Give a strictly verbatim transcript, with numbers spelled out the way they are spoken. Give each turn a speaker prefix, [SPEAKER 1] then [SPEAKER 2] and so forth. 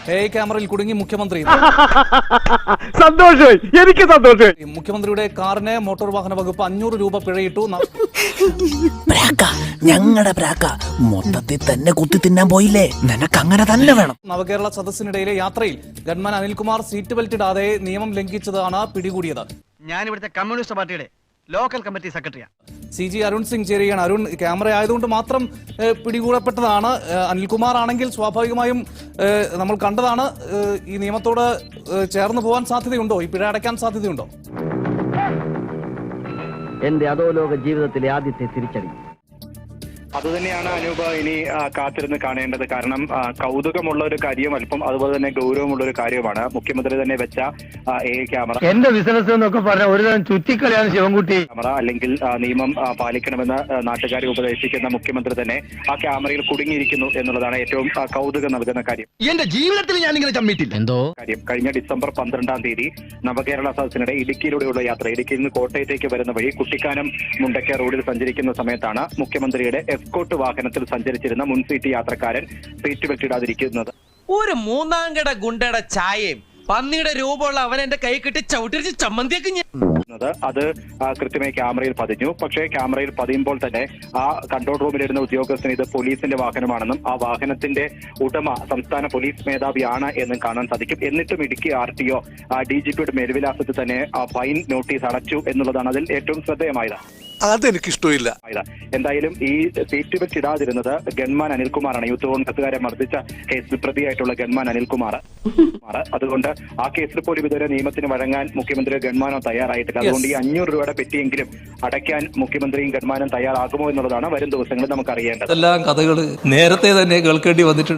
[SPEAKER 1] A ക്യാമറയിൽ കുടുങ്ങി മുഖ്യമന്ത്രി.
[SPEAKER 2] സന്തോഷമായി, എനിക്ക് സന്തോഷമായി.
[SPEAKER 1] മുഖ്യമന്ത്രിയുടെ കാറിന് മോട്ടോർ വാഹന വകുപ്പ് അഞ്ഞൂറ് രൂപ പിഴയിട്ടു.
[SPEAKER 3] ഞങ്ങളുടെ പ്രാക്ക മൊത്തത്തിൽ തന്നെ കുത്തി തിന്നാൻ പോയില്ലേ, നിനക്ക് അങ്ങനെ തന്നെ വേണം.
[SPEAKER 1] നവകേരള സദസ്സിനിടയിലെ യാത്രയിൽ ഗൺമാൻ അനിൽകുമാർ സീറ്റ് ബെൽറ്റ് ഇടാതെ നിയമം ലംഘിച്ചതാണ് പിടികൂടിയത്.
[SPEAKER 4] ഞാൻ ഇവിടുത്തെ കമ്മ്യൂണിസ്റ്റ് പാർട്ടിയുടെ ലോക്കൽ കമ്മിറ്റി സെക്രട്ടറിയാണ്.
[SPEAKER 1] സി ജി അരുൺ സിംഗ് ചേരുകയാണ്. അരുൺ, ക്യാമറ ആയതുകൊണ്ട് മാത്രം പിടികൂടപ്പെട്ടതാണ്. അനിൽകുമാർ ആണെങ്കിൽ സ്വാഭാവികമായും നമ്മൾ കണ്ടതാണ്. ഈ നിയമത്തോട് ചേർന്ന് പോകാൻ സാധ്യതയുണ്ടോ? ഈ പിഴ അടയ്ക്കാൻ സാധ്യതയുണ്ടോ?
[SPEAKER 4] എന്റെ അധോലോക ജീവിതത്തിലെ ആദ്യത്തെ തിരിച്ചടി.
[SPEAKER 5] അതുതന്നെയാണ് അനൂപ ഇനി കാത്തിരുന്ന് കാണേണ്ടത്. കാരണം കൗതുകമുള്ള ഒരു കാര്യം, അല്പം അതുപോലെ തന്നെ ഗൗരവമുള്ള ഒരു കാര്യമാണ്. മുഖ്യമന്ത്രി തന്നെ വെച്ച എ ക്യാമറ,
[SPEAKER 2] എന്റെ ബിസിനസ് എന്നൊക്കെ പറഞ്ഞ ഒരുതരം ചുറ്റിക്കളിയാണ് ശിവൻകുട്ടി.
[SPEAKER 5] ക്യാമറ അല്ലെങ്കിൽ നിയമം പാലിക്കണമെന്ന് നാട്ടുകാരെ ഉപദേശിക്കുന്ന മുഖ്യമന്ത്രി തന്നെ ആ ക്യാമറയിൽ കുടുങ്ങിയിരിക്കുന്നു എന്നുള്ളതാണ് ഏറ്റവും കൗതുകം നൽകുന്ന കാര്യം.
[SPEAKER 4] എന്റെ ജീവിതത്തിൽ ഞാൻ ഇങ്ങനെ ചമ്മിട്ടില്ല. എന്തോ
[SPEAKER 5] കാര്യം കഴിഞ്ഞ ഡിസംബർ പന്ത്രണ്ടാം തീയതി നവകേരള സദസ്സിനിടെ ഇടുക്കിയിലൂടെയുള്ള യാത്ര, ഇടുക്കിയിൽ നിന്ന് കോട്ടയത്തേക്ക് വരുന്ന വഴി കുട്ടിക്കാനം മുണ്ടയ്ക്ക റോഡിൽ സഞ്ചരിക്കുന്ന സമയത്താണ് മുഖ്യമന്ത്രിയുടെ എസ്കോട്ട് വാഹനത്തിൽ സഞ്ചരിച്ചിരുന്ന മുൻസീറ്റ് യാത്രക്കാരൻ സീറ്റ് ബെൽറ്റ് ഇടാതിരിക്കുന്നത്.
[SPEAKER 6] ഒരു മൂന്നാം കട ഗുണ്ടയുടെ ചായയും പന്നിയുടെ രൂപമുള്ള അവൻ എന്റെ കൈ കിട്ടി ചവിട്ടിരിച്ച് ചമ്മന്തിയൊക്കെ
[SPEAKER 5] അത് കൃത്യമായി ക്യാമറയിൽ പതിഞ്ഞു. പക്ഷേ ക്യാമറയിൽ പതിയുമ്പോൾ തന്നെ ആ കൺട്രോൾ റൂമിലിരുന്ന ഉദ്യോഗസ്ഥന് ഇത് പോലീസിന്റെ വാഹനമാണെന്നും ആ വാഹനത്തിന്റെ ഉടമ സംസ്ഥാന പോലീസ് മേധാവിയാണ് എന്നും കാണാൻ സാധിക്കും. എന്നിട്ടും Idukki R T O D G പിയുടെ മേൽവിലാസത്തിൽ തന്നെ ആ ഫൈൻ നോട്ടീസ് അടച്ചു എന്നുള്ളതാണ് അതിൽ ഏറ്റവും ശ്രദ്ധേയമായത്.
[SPEAKER 7] അതെനിക്കിഷ്ടമില്ല.
[SPEAKER 5] എന്തായാലും ഈ സീറ്റ് ബെൽറ്റ് ഇടാതിരുന്നത് ഗൺമാൻ അനിൽകുമാറാണ്. യൂത്ത് കോൺഗ്രസുകാരെ മർദ്ദിച്ച കേസിൽ പ്രതിയായിട്ടുള്ള ഗൺമാൻ അനിൽകുമാർ. അതുകൊണ്ട് ആ കേസിൽ പോലും ഇതുവരെ നിയമത്തിന് വഴങ്ങാൻ മുഖ്യമന്ത്രി ഗൺമാനോ തയ്യാറായിട്ടില്ല. അതുകൊണ്ട് ഈ അഞ്ഞൂറ് രൂപയുടെ പെറ്റിയെങ്കിലും അടയ്ക്കാൻ മുഖ്യമന്ത്രിയും ഗൺമാനും തയ്യാറാകുമോ എന്നുള്ളതാണ് വരും ദിവസങ്ങളിൽ നമുക്ക് അറിയേണ്ടത്.
[SPEAKER 8] എല്ലാം കഥകൾ നേരത്തെ തന്നെ കേൾക്കേണ്ടി വന്നിട്ടുണ്ട്.